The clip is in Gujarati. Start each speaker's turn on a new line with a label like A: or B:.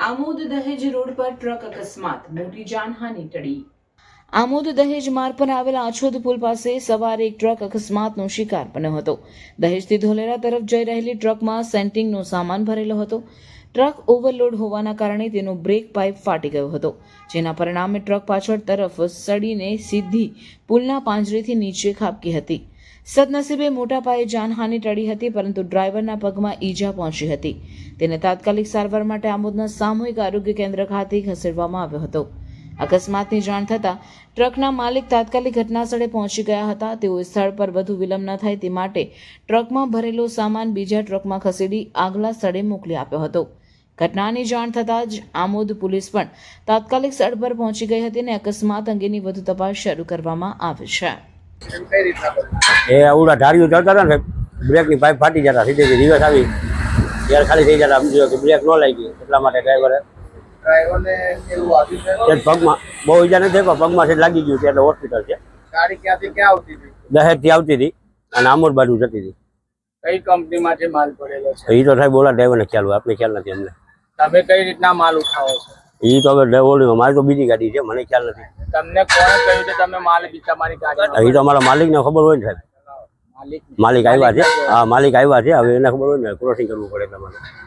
A: આમોદ દહેજ રોડ પર ટ્રક અકસ્માત, મોટી જાનહાનિ ટળી। આમોદ દહેજ માર્ગ પર આવેલા આછોદ પુલ પાસે સવારે એક ટ્રક અકસ્માતનો શિકાર બન્યો હતો। દહેજથી ધોલેરા તરફ જઈ રહેલી ટ્રકમાં સેન્ટિંગનો સામાન ભરેલો હતો। ટ્રક ઓવરલોડ હોવાના કારણે તેનો બ્રેક પાઇપ ફાટી ગયો હતો, જેના પરિણામે ટ્રક પાછળ તરફ સડીને સીધી પુલના પાંજરેથી નીચે ખાબકી હતી। સદનસીબે મોટા પાયે જાનહાનિ ટળી હતી, પરંતુ ડ્રાઈવરના પગમાં ઈજા પહોંચી હતી। તેને તાત્કાલિક સારવાર માટે આમોદના સામૂહિક આરોગ્ય કેન્દ્ર ખાતે ખસેડવામાં આવ્યો હતો। અકસ્માતની જાણ થતાં ટ્રકના માલિક તાત્કાલિક ઘટનાસ્થળે પહોંચી ગયા હતા। તેઓએ સ્થળ પર વધુ વિલંબ ન થાય તે માટે ટ્રકમાં ભરેલો સામાન બીજા ટ્રકમાં ખસેડી આગલા સ્થળે મોકલી આપ્યો હતો। ઘટનાની જાણ થતાં જ આમોદ પોલીસ પણ તાત્કાલિક સ્થળ પર પહોંચી ગઈ હતી અને અકસ્માત અંગેની વધુ તપાસ શરૂ કરવામાં આવી છે।
B: એ આવડા ધારીઓ ચડતા હતા ને, બ્રેકની પાઇપ ફાટી જતા, સીધી રિવર્સ આવી ત્યારે ખાલી થઈ જતા, સમજો કે બ્રેક ન લાગી, એટલા માટે ડ્રાઈવરને પગમાં બહુ ઈજા નથી, પગમાં લાગી ગયું છે એટલે હોસ્પિટલ છે।
C: ગાડી ક્યાંથી ક્યાં આવતી હતી?
B: દહેજથી આવતી હતી અને આમોદ બાજુ જતી હતી।
C: કઈ કંપનીમાંથી માલ પડેલો છે?
B: એ તો સાહેબ ઓલા ડ્રાઈવરને ખ્યાલ હોય, આપણે ખ્યાલ નથી અમને।
C: તમે કઈ રીતના માલ ઉઠાવો છો?
B: એ તો હવે ઓલી મારી તો બીજી ગાડી છે, મને ખ્યાલ નથી।
C: તમને કોણે કહ્યું કે તમે માલ બીજામારી ગાડી?
B: એ તો અમારા માલિકને ખબર હોય ને સાહેબ, માલિક આવ્યા છે। હા, માલિક આવ્યા છે, હવે એને ખબર હોય ને, ક્રોસિંગ કરવું પડે તમારે।